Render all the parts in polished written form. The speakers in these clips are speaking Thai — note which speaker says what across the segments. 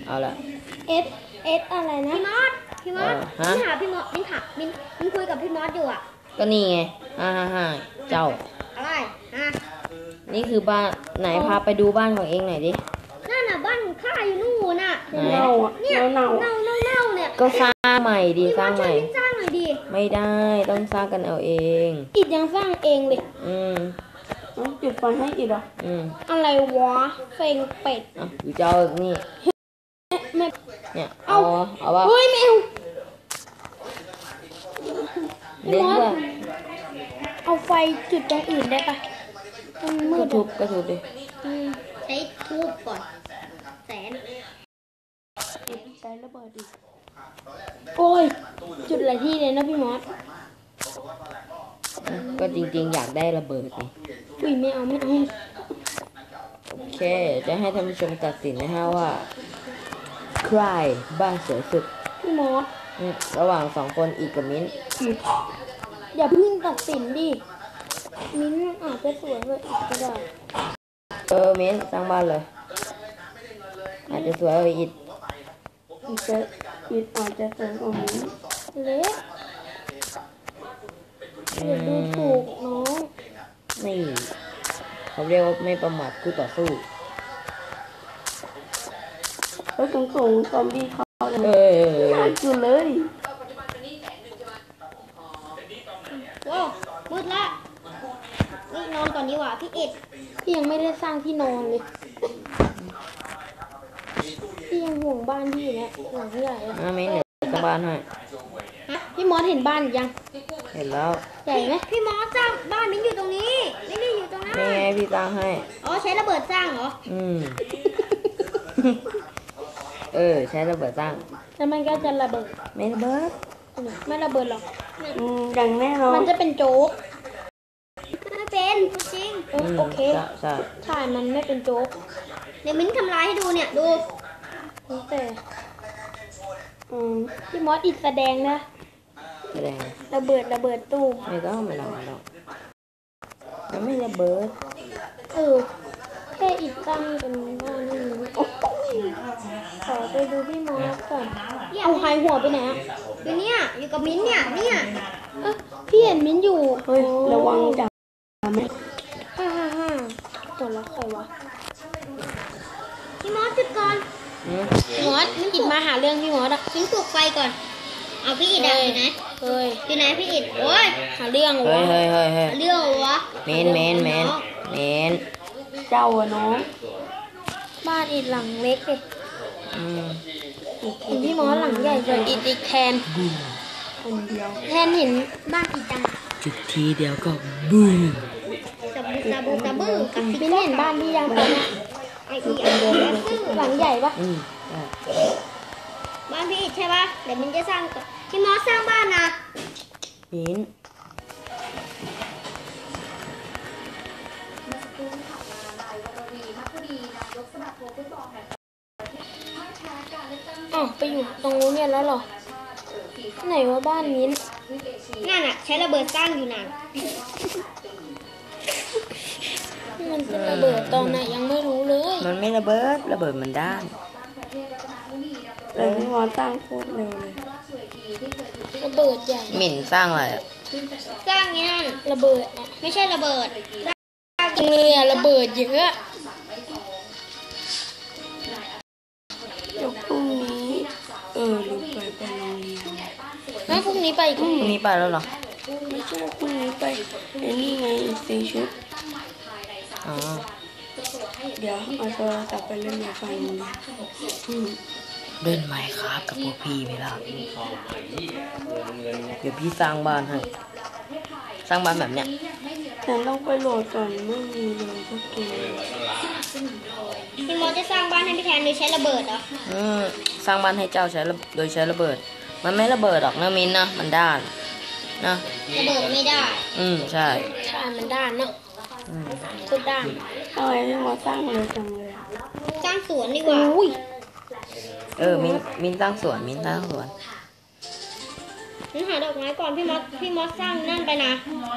Speaker 1: เอาละ
Speaker 2: F S อะไรนะ
Speaker 3: พี่มอสมิ้นหาพี่มอสมิ้นคุยกับพี่มอสอยู่อ่ะ
Speaker 1: ก็นี่ไงเจ้า
Speaker 3: อะไร
Speaker 1: นี่คือบ้านไหนพาไปดูบ้านของเองหน่อยดิ
Speaker 3: นั่นน่ะบ้านข้าอยู่นู่นน่ะ
Speaker 2: เน่า
Speaker 3: เนี่ยเน่าเนี่ย
Speaker 1: ก็สร้างใหม่ดีสร้างใหม่
Speaker 3: สร้างหน่อยดิ
Speaker 1: ไม่ได้ต้องสร้างกันเอาเอง
Speaker 2: อิดยังสร้างเองเลย
Speaker 1: ต้อง
Speaker 2: จุดไฟให้อิดเหรออะไรวะเซ็งเป็ด
Speaker 1: อยู่เจ้านี่เนี่ยเอาวะ
Speaker 2: เฮ้ยแมว
Speaker 1: เล่นว่า
Speaker 2: เอาไฟจุดตรงอื่นได้ปะมันมืด
Speaker 1: ก็ทุบดิ
Speaker 3: ใช้ทูบก่อนแสน
Speaker 2: ใช้ระเบิดดิโอ้ยจุดหลายที่เลยนะพี่มอส
Speaker 1: ก็จริงๆอยากได้ระเบิดนี่
Speaker 2: อุ้ยไม่เอา
Speaker 1: โอเคจะให้ท่านผู้ชมตัดสินนะฮะว่าใครบ้านสวยสุด
Speaker 2: พี่มอส
Speaker 1: ระหว่างสองคนอีกกับมิ้น
Speaker 2: อย่าเพิ่งตัดสินดิมิ้นอาจจะสวยเลยอีกก็ได้
Speaker 1: มิ้นสร้างบ้านเลยอาจจะสวยกว่าอิด
Speaker 2: อาจจะสวยกว่ามิ้นเล็กอย่าดูถูกน้อง
Speaker 1: นี่เขาเรียกว่าไม่ประมาทคู่ต่อสู้
Speaker 2: แล้วตรงซอมบี้เขาเลยน่ากินเลย
Speaker 3: ว้าวมืดละนี่นอนก่อนดีกว่าพี่อิด
Speaker 2: พี่ยังไม่ได้สร้างที่นอนเลยพี่ยังห่วงบ้านพี่เนี่ยหลังใหญ่
Speaker 1: ไม่เหลือสร้างบ้านให้
Speaker 2: พี่มอสเห็นบ้านยัง
Speaker 1: เห็นแล้ว
Speaker 2: ใหญ่ไหม
Speaker 3: พี่มอสสร้างบ้านมิ้นอยู่ตรงนี้ไม่ได้อยู่ตรงนั้น
Speaker 1: นี่ไงพี่สร้างให้
Speaker 3: ใช้ระเบิดสร้างเหรอ
Speaker 1: ใช้ระเบิดสร้าง
Speaker 2: แล้วมันก็จะระเบิด
Speaker 1: ไม่ระเบิด
Speaker 2: ไม่ระเบิดหรอกอย่างแน่นอนมันจะเป็นโจ๊ก
Speaker 3: ไม่เป็นจริง
Speaker 2: โอเค
Speaker 1: ใช่
Speaker 2: มันไม่เป็นโจ๊ก
Speaker 3: เดี๋ยวมิ้นทำลายให้ดูเนี่ยดู
Speaker 2: แต่พี่มอสอิดแสดงนะ
Speaker 1: แสดง
Speaker 2: ระเบิดตู้
Speaker 1: ไม่ต้องมันไม่ระเบิด
Speaker 2: แค่อิดตั้งเป็นบ้านนี่ขอไปดูพี่มอสก่อนเอาหายหัวไปไหน
Speaker 3: อยู่เนี่ยอยู่กับมิ้นเนี่ย
Speaker 2: พี่เห็นมิ้นอยู่เฮ้ยระวังจับไหมหัวเราะใครวะ
Speaker 3: พี่มอสจุดก่อน
Speaker 2: มอสอิดมาหาเรื่องพี่มอส
Speaker 3: มิ้นปลุกไฟก่อนเอาพี่อิดอยู่ไหนอยู่ไหนพี่อิดโอ้ย
Speaker 2: หาเรื่องวะ
Speaker 3: เรื่องวะ
Speaker 1: เมน
Speaker 2: เจ้าอะน้องบ้านอิดหลังเล็กเลยพี่มอสหลังใหญ่เลยอิดอีกแทนคนเดียวแทนเห็นบ้านอิดจัง
Speaker 1: จุดทีเดียวก็บูม
Speaker 3: ซาบู
Speaker 2: พี่เห็นบ้านที่ยังเป็นหลังใหญ่ปะ
Speaker 3: บ้านพี่อิดใช่ปะเดี๋ยวมิ้นจะสร้างพี่มอสสร้างบ้านนะ
Speaker 1: มิ้น
Speaker 2: ไปอยู่ตรงนู้นเนี่ยแล้วเหรอไหนว่าบ้านมิ้น
Speaker 3: นั่นน่ะใช้ระเบิดสร้างอยู่น่ะ
Speaker 2: มันจะระเบิดตอนไหนยังไม่รู้เลย
Speaker 1: มันไม่ระเบิดมันด้าน
Speaker 2: เลยพี่มอสสร้างโคตรเร็วเลยระเบิดใหญ่
Speaker 1: หมิ่นสร้างอะไร
Speaker 3: สร้างนี่นั่น
Speaker 2: ระเบิด
Speaker 3: ไม่ใช่ระเบิด
Speaker 2: จริงเลยระเบิดเยอะเดี๋ยวพรุ่งนี้ลืมไปโรงเรียนพรุ่งนี้ไป
Speaker 1: พรุ่งนี้ไปแล้วเหรอ
Speaker 2: ไม่ใช่พรุ่งนี้ไปไอ้นี่ไงสีชุดเดี๋ยวเอาโทรศัพท์ไปเล่นไฟ
Speaker 1: เล่นไหมครับกับพวกพี่ไหมล่ะเดี๋ยวพี่สร้างบ้านให้สร้างบ้านแบบเนี้ย
Speaker 2: แต่ต้องไปโหลดก่อนไม่มีเลยสักเกม
Speaker 3: พี่มอสจะสร้างบ้านให้พี่แทนโดยใช้ระเบิดเหรอ
Speaker 1: สร้างบ้านให้เจ้าโดยใช้ระเบิดมันไม่ระเบิดหรอกนะมิ้นนะมันด้านนะ
Speaker 3: ระเบิดไม่ได้
Speaker 1: ใช่
Speaker 2: มันด้านเนาะสุดด้านทำไมพี่มอสสร้างเลยจังเลย
Speaker 3: สร้างสวนดีกว่า
Speaker 1: มิ้นสร้างสวนมิ้นหา
Speaker 3: ดอกไม้ก่อนพี่มอสสร้างนั่นไปนะ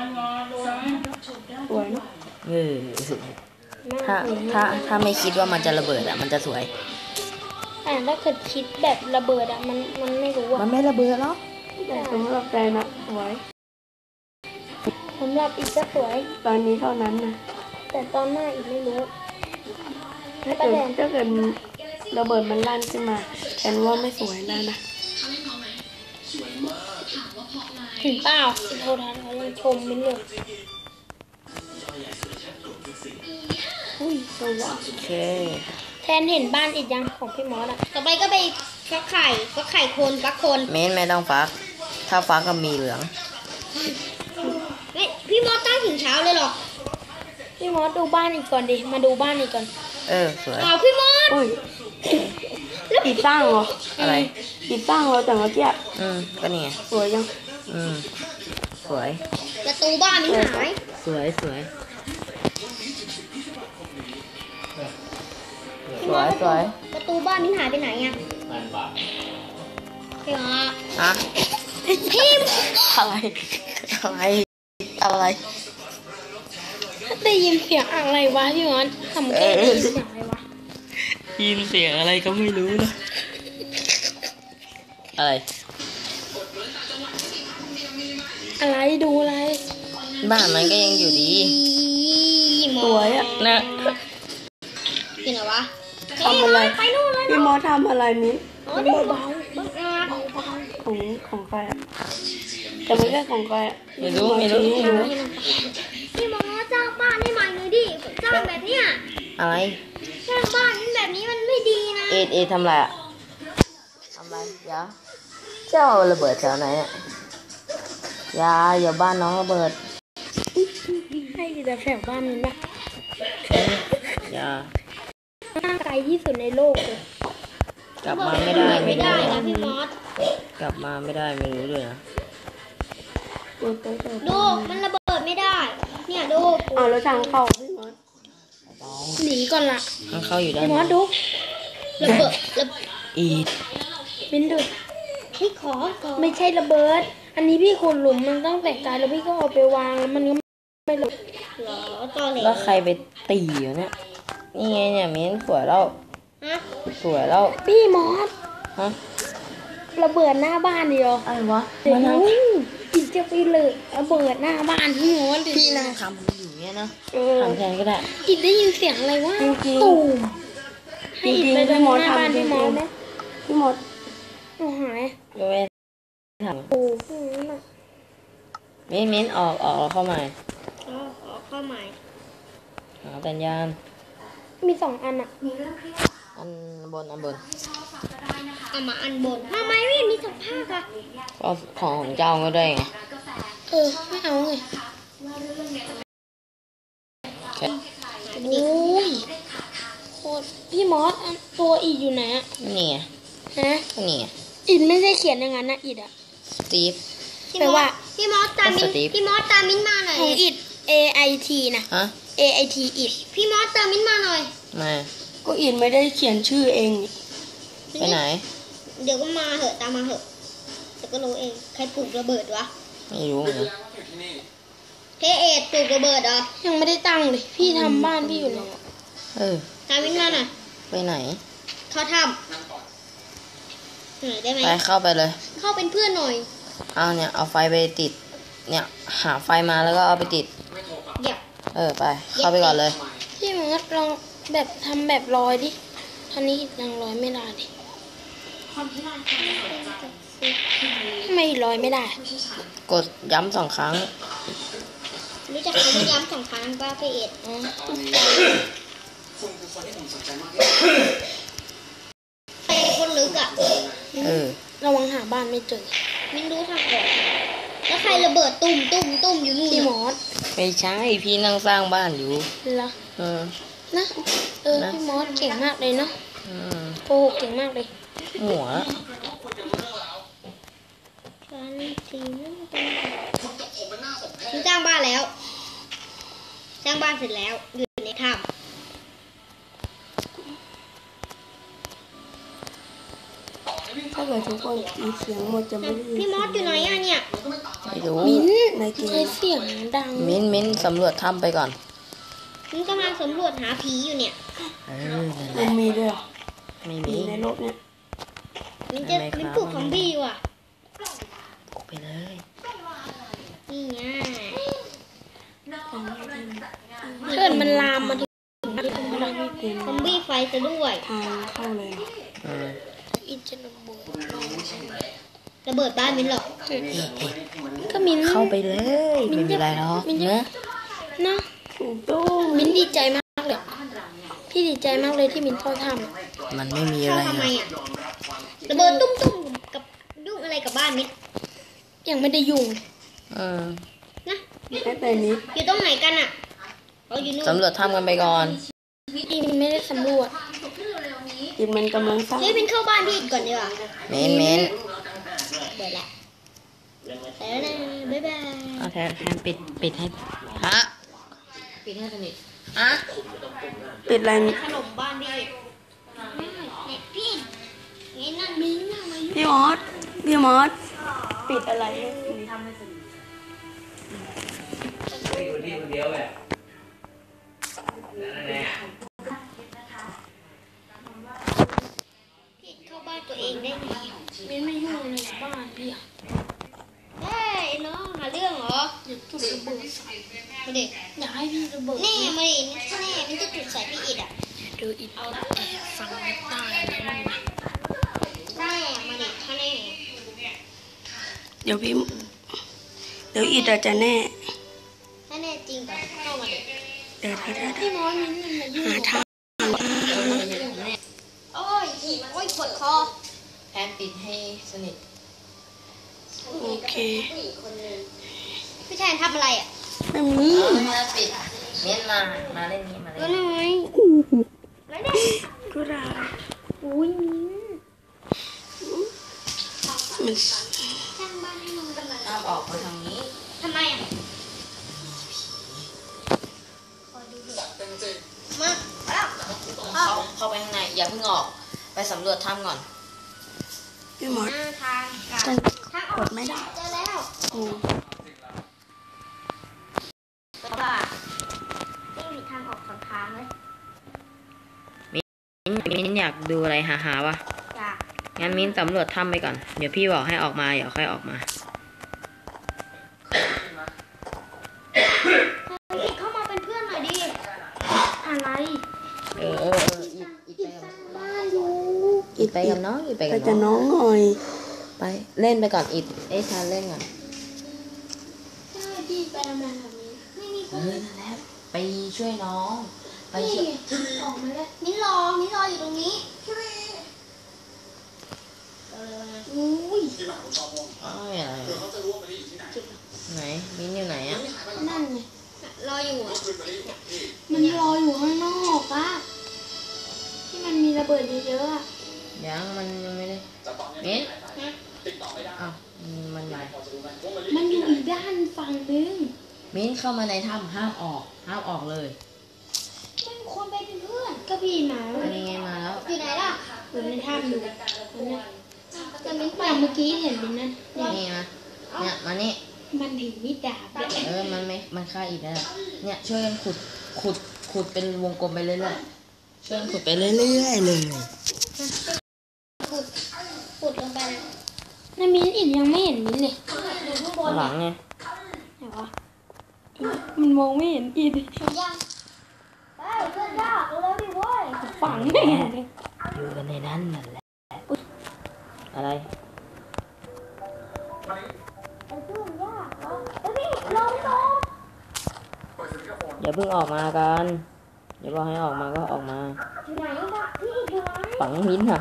Speaker 2: สวยเนาะ
Speaker 1: ถ้าไม่คิดว่ามันจะระเบิดมันจะสวย
Speaker 2: แต่ถ้าเกิดคิดแบบระเบิดอะมันไม่รู้
Speaker 1: มั
Speaker 2: อะ
Speaker 1: นไม่ระเบิดหรอก
Speaker 4: แต่สำหรับใจนะสวย
Speaker 2: สำหรับอีกก็สวย
Speaker 4: ตอนนี้เท่านั้นนะ
Speaker 2: แต่ตอนหน้าอีกไม่รู้
Speaker 4: ถ้าเกิดระเบิดมันลั่นขึ้นมาฉันว่าไม่สวยแล้วนะ
Speaker 2: ถึงเปล่าโทรทัศน์เขายังชมไม่เลย
Speaker 4: อุ้ยสวย
Speaker 1: โอเค
Speaker 2: แทนเห็นบ้านอีกยังของพี่มอสอะ
Speaker 3: ต่อไปก็ไปฟักไข่คนฟักคน
Speaker 1: มิ้นไม่ต้องฟัก ถ้าฟักก็มีเหลือง
Speaker 3: เฮ้ยพี่มอสตั้งถึงเช้าเลยเหรอ
Speaker 2: พี่มอสดูบ้านอีกก่อนดิ มาดูบ้านอีกก่อน
Speaker 1: สวย
Speaker 3: อ๋อพี่มอส
Speaker 4: อุ้ยติดตั้งเหรอ
Speaker 1: อะไร
Speaker 4: ติดตั้งเหรอแต่เมื่อกี้
Speaker 1: ก็นี่ไง
Speaker 4: สวยจัง
Speaker 1: สวย
Speaker 3: ประตูบ้านมันหาย
Speaker 1: สวย สวย
Speaker 3: พี่มอสประตูบ้านมันหายไปไหนอะพี่มอส
Speaker 1: อะ
Speaker 3: พี่
Speaker 1: อะไร อะไร อะไร
Speaker 2: ได้ยินเสียงอะไรวะพี่มอสทำแค่ได้ยินเสียงอะไรวะ
Speaker 1: ยินเสียงอะไรก็ไม่รู้นะ อะไร
Speaker 2: อะไรดูอะไร
Speaker 1: บ้านมันก็ยังอยู่ดี
Speaker 3: มอ
Speaker 4: สวยอะ
Speaker 1: นะ
Speaker 3: เป็นไงวะ
Speaker 4: ทำอะไร
Speaker 3: ไปนู่นเลย
Speaker 4: พี่มอสทำอะไรมิ้น
Speaker 3: อ๋อเดี๋ยวเบา
Speaker 4: ของใครอะแต่ไม่ใช่ของใครอะ
Speaker 1: ไม่รู้ ไม่รู้
Speaker 4: ไม่รู้
Speaker 3: พี่มอสจ้างบ้านให้ใหม่เลยดิจ้างแบบเนี้ย
Speaker 1: อะไร
Speaker 3: สร้างบ้านแบบนี้มันไม่ดีนะ
Speaker 1: เอทำอะไรอะทำอะไรเดี๋ยวเจ้าระเบิดแถวไหนอะอย่าบ้านน้องระเบิด
Speaker 2: ให้แต่แถวบ้านนี้นะ
Speaker 1: อย่า
Speaker 2: น่าไกลที่สุดในโลกเลย
Speaker 1: กลับมาไม่ได้
Speaker 3: ไม่ได้นะพี่มอส
Speaker 1: กลับมาไม่ได้ไม่รู้ด้วยนะ
Speaker 3: ดูมันระเบิดไม่ได้ เนี่ยดู
Speaker 4: อ้าวแล้วทางเข้าพี่มอส
Speaker 2: หนีก่อนละ
Speaker 1: มันเข้าอยู่ด้าน
Speaker 2: พี่มอสดู
Speaker 3: ระเบิด
Speaker 1: อีท
Speaker 2: บินดู
Speaker 3: พี่ขอ
Speaker 2: ไม่ใช่ระเบิด อันนี้พี่ขุดหลุมมันต้องแตกกายแล้วพี่ก็เอาไปวางแล้วมันก็ไม่หลุด
Speaker 3: เหรอตอเหล
Speaker 1: แล้วใครไปตีอยู่เนี่ยนี่ไงเนี่ยมิ้นสวยแล้ว
Speaker 3: ฮะ
Speaker 1: สวยแล้ว
Speaker 2: พี่มอส
Speaker 1: ฮะ
Speaker 2: ระเบิดหน้าบ้านเดียว
Speaker 1: อะไรวะ
Speaker 2: เดี๋ยว
Speaker 1: นั่ง
Speaker 2: อีกจะไปเลยระเบิดหน้าบ้านพี่มอสดิ
Speaker 1: พี่นั่งทำอยู่เนี่ยนะ
Speaker 4: เออ
Speaker 1: ทำแทนก็ได้
Speaker 2: อีกได้ยินเสียงอะไรวะ
Speaker 4: จริงๆ
Speaker 2: ตูมให้อีกไป
Speaker 4: จริ
Speaker 2: เดิ
Speaker 4: งๆ
Speaker 2: น
Speaker 4: พี่มอส
Speaker 2: หน้าบ้าน
Speaker 4: ทำ
Speaker 2: พี่มอส
Speaker 4: จริงๆ
Speaker 2: ไหม
Speaker 4: พี่มอส
Speaker 2: โอ้หาย
Speaker 1: ก็ไม่ท
Speaker 2: โอ้โหน่ะ
Speaker 1: ำมิ้นออกแล้วเข้ามา
Speaker 3: อ๋อขอเข้าใหม่
Speaker 1: หาสัญญาณ
Speaker 2: มี2 อันอะ
Speaker 1: อันบน
Speaker 3: เอามาอันบนทำไมไม่มีสภาพอะ
Speaker 1: ก็ของเจ้าก็ได้ไง
Speaker 2: ไม่เอาไง
Speaker 1: แค่
Speaker 2: โอ้ยโคตรพี่มอสอันตัวอีกอยู่ไหนอะ
Speaker 1: นี่ไง
Speaker 2: ฮะ
Speaker 1: นี่ไง
Speaker 2: อิดไม่ได้เขียนอย่างนั้นนะอิดอะ
Speaker 1: สตีฟ
Speaker 3: พี่
Speaker 2: แปล
Speaker 3: มอ
Speaker 2: ว่า
Speaker 3: สพี่มอสตามมิน
Speaker 1: สตีฟ
Speaker 3: พี่มอสตามมินมาหน่อย
Speaker 2: ของอิด A I T นะ
Speaker 1: ฮะ
Speaker 2: A I T อิด
Speaker 3: พี่มอสตามมินมาหน่อย
Speaker 1: มา
Speaker 4: ก็อินไม่ได้เขียนชื่อเอง
Speaker 1: ไปไหน
Speaker 3: เดี๋ยวก็มาเหอะตามมาเหอะเดี๋ยวก็รู้เองใครปลูกระเบิดวะ
Speaker 1: ไม่รู้เหมือนกัน
Speaker 3: เทเอทปลูกระเบิดเหรอ
Speaker 2: ยังไม่ได้ตั้งเลยพี่ทำบ้านพี่อยู่เลย
Speaker 3: ตามมินมาหน่อย
Speaker 1: ไปไหน
Speaker 3: เขาทำหน่อยได้ไหม
Speaker 1: ไปเข้าไปเลย
Speaker 3: เข้าเป็นเพื่อนหน่อย
Speaker 1: เอาเนี่ยเอาไฟไปติด เนี่ยหาไฟมาแล้วก็เอาไปติด
Speaker 3: เดี๋ยว
Speaker 1: ไปเข้าไปก่อนเลย
Speaker 2: พี่มอสลองแบบทำแบบลอยดิท่านี้อิดยังลอยไม่ได้ดิทำไมลอยไม่ได้
Speaker 1: กดย้ำ2 ครั้ง
Speaker 3: รู้จักคำว่าย้ำ2 ครั้งป้าเทเอท
Speaker 2: อ๋อ
Speaker 3: ไปคนลึกอ่ะ
Speaker 2: ระวังหาบ้านไม่เจอ
Speaker 3: มินรู้ทางออกแล้วใครระเบิดตุ่มอยู่นู่น
Speaker 2: พี่ม
Speaker 3: น่ะ
Speaker 2: อส
Speaker 1: ไม่ใช่พี่นั่งสร้างบ้านอยู่
Speaker 2: เหรอ
Speaker 1: เออ
Speaker 2: นะ
Speaker 1: นะ
Speaker 2: พี่มอสเก่งมากเลยเนาะ
Speaker 1: อืม
Speaker 2: โกหกเก่งมากเลย
Speaker 1: หัว
Speaker 3: ฉันทีนั่นเป็นฉันสร้างบ้านแล้ว สร้างบ้านเสร็จแล้ว อยู่ในถ้
Speaker 4: ถ้าเกิดทุกคนมีเสียงหมดจะไม่ได้ยิน
Speaker 3: ำพี่มอสอยู่ไหนอ่ะเนี่ย
Speaker 1: ไม่รู้
Speaker 2: มิ้น
Speaker 4: ในเก
Speaker 2: ใช้
Speaker 4: ม
Speaker 2: เสียงดัง
Speaker 1: มิ้นสำรวจถ้ำไปก่อน
Speaker 3: ฉันกำลังสำรวจหาผีอยู่เนี่ย
Speaker 1: นั่นแห
Speaker 4: มั
Speaker 1: ละ
Speaker 4: นมีด้วยเหรอ
Speaker 1: ไม่
Speaker 4: มี
Speaker 1: มี
Speaker 4: ในโลลกเนี่ย
Speaker 3: มันจะเป็นปลูกซอมบี้ว่ะ
Speaker 1: ปลุกไปเลย
Speaker 3: นี่ไง
Speaker 2: เชิญมันลามมาถึง
Speaker 3: ซอมบี้ไฟซะด้วย
Speaker 4: ทางเข้าเลย
Speaker 2: อินจะระเบิด
Speaker 3: ระเบิดบ้านมิ้นหรอก
Speaker 2: ก็มิน
Speaker 1: เข้าไปเลยไม่มีอะไรหรอกเนอะ
Speaker 2: นะ
Speaker 4: ถูกต้อง
Speaker 2: มินดีใจมากเลยพี่ดีใจมากเลยที่มินเข้าท
Speaker 1: มันไม่มีอะ
Speaker 3: เข้า
Speaker 1: ไร
Speaker 3: ทำ
Speaker 1: ห
Speaker 3: ไม
Speaker 1: รอก
Speaker 3: อ่ะระเบิดตุ้มๆกับยุ่งอะไรกับบ้านมิ้น
Speaker 2: ำยังไม่ได้ยุ่ง
Speaker 3: นะ
Speaker 4: แค่แต่นี้
Speaker 3: อยู่ตรงไหนกันอ่ะเราอยู่นู่น
Speaker 1: สำรวจถ้ำกันไปก่อน
Speaker 2: อินไม่ได้สำรวจ
Speaker 4: อีกมันกำลังสร้าง
Speaker 3: เฮ้ยมิ้นเข้าบ้านพี่ก่อนดีกว่า
Speaker 1: เม้น
Speaker 3: เดี๋ยวละแล้วนะบ๊ายบาย
Speaker 1: เอาแทนปิดให้ฮะปิดให้สนิทฮะ
Speaker 4: ปิดอะไร
Speaker 3: ขนมบ้านพี่เนี่ยพี่ไงนั่นมิ้นน่ะมาอยู่
Speaker 4: พี่มอสปิดอะไรให้สิ
Speaker 5: อยู่ที่คนเดียวแบบนั่นแหละ
Speaker 3: พี่เข้าบ้านตัวเองได้ไง
Speaker 2: มินไม่ยุ่งในบ้านพี่อะ
Speaker 3: เฮ้ยน้องหาเรื่องเหรอ
Speaker 2: อยากจุดระเบิดใส่
Speaker 3: มาดิ
Speaker 2: อยากให้พี่ระเบิด
Speaker 3: แน่มาดิแน่มันจะจุดใส่พี่อิดอ่ะ
Speaker 2: เดี๋ยวอินเอาแอบฟังไม่ได้นะมันนะ
Speaker 3: แน่มาดิถ้าแน่
Speaker 4: เดี๋ยวอีอาจจะแน่
Speaker 3: ถ้าแน่จริงก็เข้ามาดิ
Speaker 4: เดี๋ยว
Speaker 2: พี่มอสมินมันมายุ่ง
Speaker 4: หาทาง
Speaker 3: โอ้ยอีโอ้ยปวดคอ
Speaker 1: แทนปิดให้สนิท
Speaker 4: โอเค
Speaker 3: พี่แทนทำอะไรอ่ะ
Speaker 4: ไม่มี
Speaker 1: มาปิดเม้นมาเล่นนี้มาเล่
Speaker 3: ก็
Speaker 1: น
Speaker 3: น้อยแล้วเนี่ย
Speaker 4: ก็ได้
Speaker 3: อุ้ยมิ้น
Speaker 4: มัน
Speaker 3: สร้างบ้านให้น้องกันเลย
Speaker 1: ห้ามออกมาทางนี้
Speaker 3: ทำไมอ่ะมาแล้ว
Speaker 1: เข้าไปข้างในอย่าเพิ่งออกไปสำรวจถ้ำก่อน
Speaker 4: พี่มอส
Speaker 3: หน้าทางกันทางออก
Speaker 4: กดไม่ได้
Speaker 3: เจอแล้ว
Speaker 4: โอ้
Speaker 3: ว่าไม่มีทางออกสองทางเลย
Speaker 1: มิ้นอยากดูอะไรหาวะ
Speaker 3: จาก
Speaker 1: งั้นมิ้นสำรวจถ้ำไปก่อนเดี๋ยวพี่บอกให้ออกมาเดี๋ยวค่อยออกมา
Speaker 3: พี่เข้ามาเป็นเพื่อนหน่อยดิ
Speaker 2: อะไร
Speaker 1: อิดไปกับน้องอิดไป
Speaker 4: ไป
Speaker 1: กับ
Speaker 4: จะ
Speaker 1: น้อง
Speaker 4: น้องหน่อย
Speaker 1: ไปเล่นไปก่อนอิดทานเล่นก่อน
Speaker 2: ใช่พี่ไปทำอะไรแบบนี้
Speaker 3: ไม่มีคน
Speaker 1: นั่นแหละไปช่วยน้องไป
Speaker 2: พี่
Speaker 1: ช่วย
Speaker 2: ออกมาแล้ว
Speaker 3: มิ้นรออยู่ตรงนี้อุ้ย
Speaker 1: อ้าวอะไรไหนมิ้นอยู่ไหนอ่ะ
Speaker 2: นั่นไง
Speaker 3: รออยู่อ่ะ
Speaker 2: มันรออยู่ข้างนอกอะที่มันมีระเบิดเยอะๆอะ
Speaker 1: ยังมันยังไม่ได้มิ้นอ้าวมันอยู่ไหน
Speaker 2: มันอยู่อีกด้านฝั่งนึง
Speaker 1: มิ้นเข้ามาในถ้ำห้ามออกเลย
Speaker 3: ไม่มีคนไปเป็นเพื่อน
Speaker 2: ก็พี่มาแล้ว
Speaker 1: อันนี้ไงมาแล้ว
Speaker 3: อยู่ไหนล่ะ
Speaker 2: อยู่ในถ้ำอยู่มันเนี่ย
Speaker 3: จะมิ้นไป
Speaker 2: แต่เมื่อกี้เห็นเป็นนั่นเนี่ย
Speaker 1: นี่มาเนี่ยมานี่
Speaker 2: มันถือมีดดาบเลย
Speaker 1: มันฆ่าอีกแล้วเนี่ยช่วยกันขุดเป็นวงกลมไปเรื่อยๆช่วยกันขุดไปเรื่อยๆเลย
Speaker 3: ขุดลงไปนะ
Speaker 2: นามินอินยังไม่เห็นมินเลย
Speaker 3: อยู่ข้างบน
Speaker 1: หลังไง
Speaker 2: ไหนวะมันมองไม่เห็นอิน
Speaker 3: เห็นยังไปเพื่อนยากเร็วๆดิเว้ย
Speaker 2: ฝังแน่เลย
Speaker 1: อยู่กันในนั้นนั่นแหละอะไร
Speaker 3: ไอ้เพื่อนยากเหรอเฮ้ยพี่ลง
Speaker 1: อย่าเพิ่งออกมากันเดี๋ยวบอกให้ออกมาก็ออกมา
Speaker 3: อยู่ไหนล่ะพี่อยู่ไหน
Speaker 1: ฝังมิ้นท์ค่ะ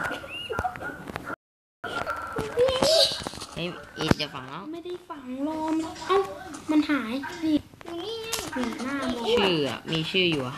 Speaker 1: เฮ้ยอีดจะฝังแล้ว
Speaker 2: ไม่ได้ฝังลมเอ้ามันหายนี่
Speaker 3: อยู่นี่ไง
Speaker 2: เหมือนหน้ามอง
Speaker 1: ชื่ออ่ะมีชื่ออยู่555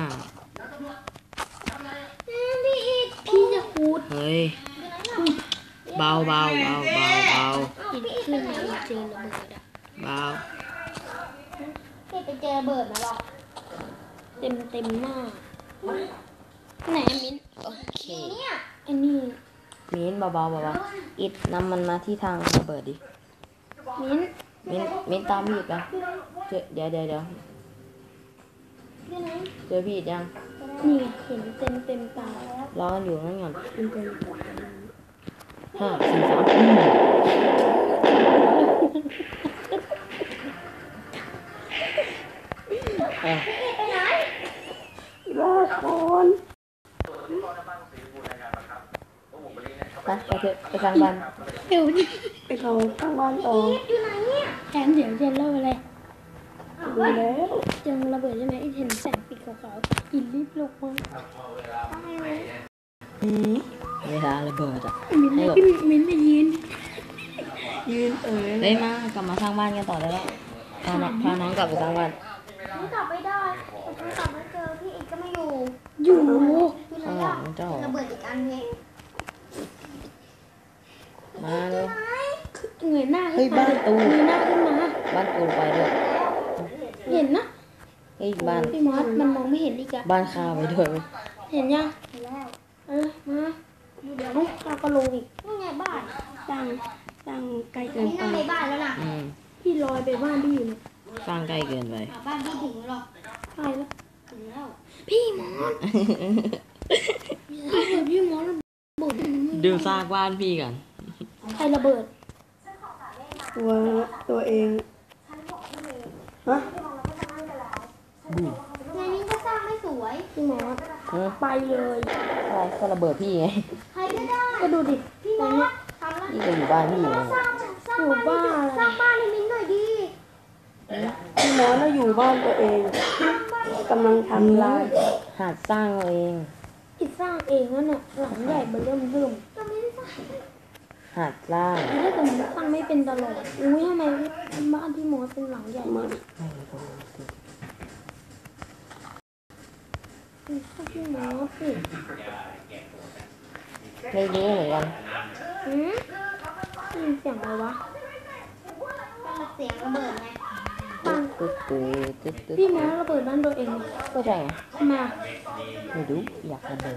Speaker 3: พี่อีก
Speaker 2: พี่จะคูด
Speaker 1: เฮ้ยเบา
Speaker 2: อินขึ้นมาเจอระเบิดอะ
Speaker 1: เบา
Speaker 3: พี่ไปเจอเบิร์ดมาหรอ
Speaker 2: เต็มหน้าไหนอะมิน
Speaker 1: โอเค
Speaker 3: เนี่ย
Speaker 2: ไอ้นี่
Speaker 1: มิ้นท์เบาอิดนำมันมาที่ทางระเบิดดิ
Speaker 2: มิน
Speaker 1: มิ้นท์ตามพี่อีกแล้วเดี๋ยว
Speaker 2: ที่ไหน
Speaker 1: เจอพี่อีกยัง
Speaker 2: นี่ไงเห็นเต็มตาแล้ว
Speaker 1: รอกันอยู่นั่นก่อน
Speaker 2: มันเป็น
Speaker 1: ห้าสี่สามอ่ะ
Speaker 4: รอก่อน
Speaker 1: ไปเถอะไปทางบ้าน
Speaker 2: เดี๋ยวนี่
Speaker 4: ไปเขาข้างบ้านต่อ
Speaker 2: อยู่ไหนเนี่ยแทนเดี๋ยวเจนเล่าอะไร
Speaker 4: ดูแล้ว
Speaker 2: เจอระเบิดใช่ไหมไอ้เห็นแสงปีกขาวๆกินรีบลงมา
Speaker 1: เวลาระเบิดอ่ะ
Speaker 2: มินได้พี่มินได้ยิน
Speaker 4: ยืน
Speaker 1: เฮ้ยมากลับมาสร้างบ้านกันต่อได้แล้วพาน้องกลับไปสร้างบ้าน
Speaker 3: ไม่กลับไม่ได้ผมกลับไม่เจอพี่อีกก็ไม่อยู่
Speaker 2: อยู่
Speaker 3: อยู่ไหน
Speaker 1: ข้างหลั
Speaker 3: อ่ะ
Speaker 1: งเจ้า
Speaker 3: ระเบิดอีกอันเพง
Speaker 1: มาเลย
Speaker 2: เงยหน้า
Speaker 1: เฮ้
Speaker 2: ขึ้
Speaker 1: ย
Speaker 2: นมา
Speaker 1: บ้านตู
Speaker 2: เงยหน้าขึ้นมา
Speaker 1: บ้านกูไปด้วย
Speaker 2: เห็นนะ
Speaker 1: เฮ้ยบ้าน
Speaker 2: พี่มอสมันมองไม่เห็นอีกอะ
Speaker 1: บ้านข้าไปด้วยไหม
Speaker 2: เห็นยัง
Speaker 3: เห็นแล้ว
Speaker 2: มาเดี๋ยวข้าก็ลงอีก
Speaker 3: นี่ไงบ้าน
Speaker 4: ตั้งใกล้
Speaker 3: อั
Speaker 4: เกิ
Speaker 3: น
Speaker 4: น
Speaker 3: นี้
Speaker 4: ไป
Speaker 3: นั่งในบ้านแล้วนะ
Speaker 2: พี่ลอยไปบ้านพี่อยู่เนี่ย
Speaker 1: สร้างใกล้เกินไป
Speaker 3: บ้านพี่ถึงหรอก
Speaker 2: ใช่แล้ว
Speaker 3: ถึงแล้ว
Speaker 2: พี่มอสพี่มอสระเบิด
Speaker 1: ดูซากบ้านพี่กัน
Speaker 2: ใครระเบิด
Speaker 4: ตัวเองฮะ
Speaker 3: ในนี้ก็สร้างไม่สวย
Speaker 2: พี่มอส
Speaker 1: เออ
Speaker 2: ไปเลย
Speaker 1: อะไรก็ระเบิดพี่ไง
Speaker 3: ใครก็ได้
Speaker 2: ก็ดูดิ
Speaker 3: พี่
Speaker 2: ต
Speaker 3: ม
Speaker 2: อ
Speaker 3: อน
Speaker 2: เนี้ย
Speaker 3: สทำแล้ว
Speaker 1: พี่ก็อยู่บ้านพี่ไง
Speaker 3: สร้างบ้านสร้างบ้านให้มิ้นหน่อยดี
Speaker 4: พี่มอสเราอยู่บ้านตัวเองกำลังทำลาย
Speaker 1: หัดสร้างเอาเอง
Speaker 2: อิดสร้างเองนั่นน่ะหลังใหญ่เบอร์เริ่ม
Speaker 3: ก็ไม่ได้สร้าง
Speaker 1: หัดสร้าง
Speaker 2: ถ้าเกิดมันสร้างไม่เป็นตลอดอุ้ยทำไมบ้านพี่มอสเป็นหลังใหญ่มากพี่มอสสิ
Speaker 1: ไม่รู้เหมือนกัน
Speaker 2: หืมได้ยินเสียงอะไรวะ
Speaker 3: ก็เสียงระเบิดไง
Speaker 1: ตึ๊ดตึ๊ดตึ๊ดตึ๊ด
Speaker 2: พี่มอสระเบิดบ้านตัวเองเลย
Speaker 1: ก็ใช่ไง
Speaker 2: ทำไมอ่ะ
Speaker 1: ไม่รู้อยากระเบิด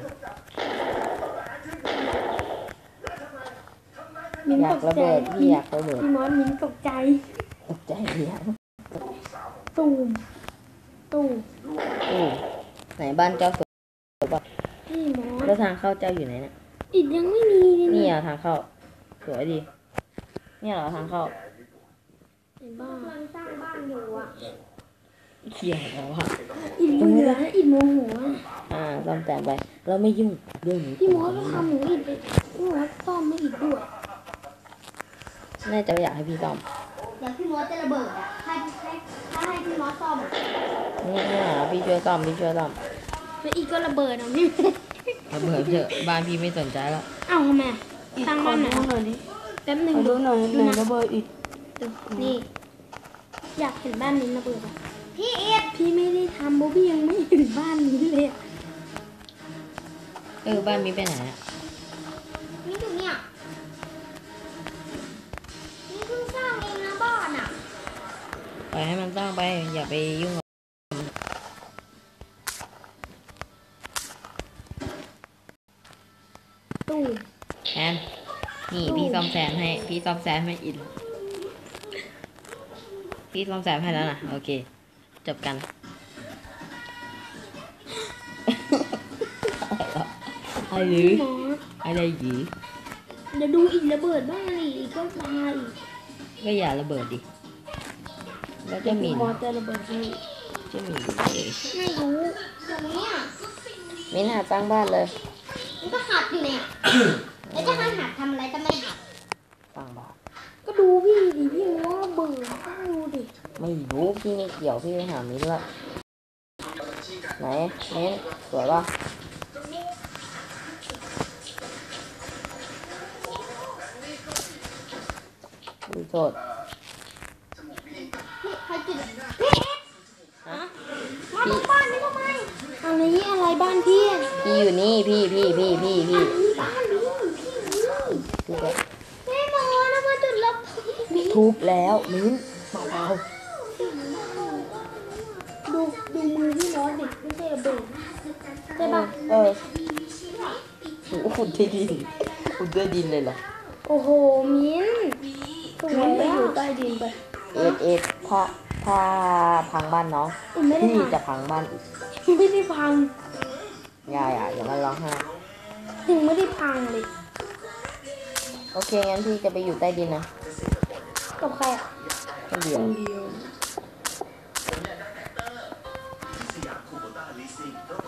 Speaker 2: มิ้น
Speaker 1: อยา
Speaker 2: ต
Speaker 1: ก
Speaker 2: ก
Speaker 1: ระ
Speaker 2: ใจ
Speaker 1: เบิดพี่อยากระเบิด
Speaker 2: พี่มอสมิ้นตกใจ
Speaker 1: ตกใจเดียว
Speaker 2: ตูมตูม
Speaker 1: อู้ไหนบ้านเจ้าสวย
Speaker 2: พี่มอส
Speaker 1: แล้วทางเข้าเจ้าอยู่ไหนเนี่ย
Speaker 2: อิดยังไม่มีเลย
Speaker 1: นี่
Speaker 2: เนี่ย
Speaker 1: อ่ะทางเข้าสวยดีเนี่ยเหรอทางเข้า
Speaker 2: ในบ้าน
Speaker 3: กำลังสร้างบ้านอยู่อ่ะ
Speaker 1: เขี่ยแล้วอ่ะ
Speaker 2: อิดเบื่ออิดโมโหอ่ะ
Speaker 1: ซ่อมแซมไปเราไม่ยุ่งเรื่องนี้
Speaker 2: พี่มอสก็ทำหนูอิดไปพี่มอสซ่อมไม่อิดด้วย
Speaker 1: น่าจะอยากให้พี่ซ่อม
Speaker 3: เดี๋ยวพี่มอสจะระเบิดอ่ะถ้าให้พี่มอสซ่อมอะ
Speaker 1: นี่พี่ช่วยซ่อมพี่ช่วยซ่อม
Speaker 2: แล้วอิดก็ระเบิดอ่ะพี่
Speaker 1: ระเบิดเถอะบ้านพี่ไม่สนใจแล้ว
Speaker 2: เอ้าทำไมอะสร้างบ้านไหน
Speaker 4: ขอดูหน่อยดิ
Speaker 2: แป๊บหนึ่ง
Speaker 4: ขอดูหน่อยไหน
Speaker 2: นะ
Speaker 4: ระเบิดอีก
Speaker 2: นี่ อยากเห็นบ้านนี้ระเบิดอ่ะ
Speaker 3: พี่เอ็ด
Speaker 2: พี่ไม่ได้ทำโบพี่ยังไม่เห็นบ้านนี้เลยอะ
Speaker 1: บ้านมีไปไหนอ่ะ
Speaker 3: นี่อยู่เนี่ยนี่เพิ่งสร้างเองนะบ้านอ่ะ
Speaker 1: ปล่อยให้มันสร้างไปอย่าไปยุ่งกับ
Speaker 2: ตู้
Speaker 1: แอนนี่พี่ซ่อมแซมให้พี่ซ่อมแซมให้อินพี่ซ่อมแซมให้แล้วนะโอเคจบกัน อะไรหรือ
Speaker 2: หมอ
Speaker 1: อะไรหรือ
Speaker 2: เดี๋ยวดูอีกระเบิดบ้านอีกก็ตายอีก
Speaker 1: ก็อย่าระเบิดดิแล้วจะหมิน
Speaker 2: มอสจะระเบิดให้
Speaker 1: จะหมินเอง
Speaker 2: ไม่รู้
Speaker 3: ตรงเนี้ย
Speaker 1: มินหาสร้างบ้านเลย
Speaker 3: มันก็หัดอยู่เนี่ยแล้วจะให้หัดทำอะไรก็ไม่หัด
Speaker 1: สร้างบ้าน
Speaker 2: ก็ดูพี่ดิพี่มอสระเบิดก็ดูดิ
Speaker 1: ไม่รู้พี่ไม่เกี่ยวพี่ไปหามินละไหนมินสวยป่ะดูโทษ
Speaker 3: พี่ใครจุดพี่เอ็ด
Speaker 1: ฮะ
Speaker 3: มาดูบ้านนี่ทำไม
Speaker 2: อะไรอะไรบ้านพี่อะ
Speaker 1: พี่อยู่นี่พี่ทุบแล้ว
Speaker 3: แม่หมอนะมาจุดระเบิด
Speaker 1: ทุบแล้วมิ้นเบา
Speaker 2: ดูมือพี่มอสดิไม่ใช่ระเบิดใช่ปะ
Speaker 1: โอ้ขุดด้วยดินขุดด้วยดินเลยเหรอ
Speaker 2: โอ้โหมิ้นสว
Speaker 4: มั
Speaker 2: ย
Speaker 4: นไป
Speaker 2: อะ
Speaker 4: อยู่ใต้ดินไป
Speaker 1: เอ็ดพาถ้าพังบ้านน้อง
Speaker 2: ไม่ได้
Speaker 1: พี่
Speaker 2: พัง
Speaker 1: จะพังบ้านอีก
Speaker 2: ไม่ได้พัง
Speaker 1: อย่ามาร้องไห้
Speaker 2: ถึงไม่ได้พังเลย
Speaker 1: โอเคงั้นพี่จะไปอยู่ใต้ดินนะ
Speaker 2: กับใครอ่ะ
Speaker 1: คนเดียว
Speaker 4: คนเดียว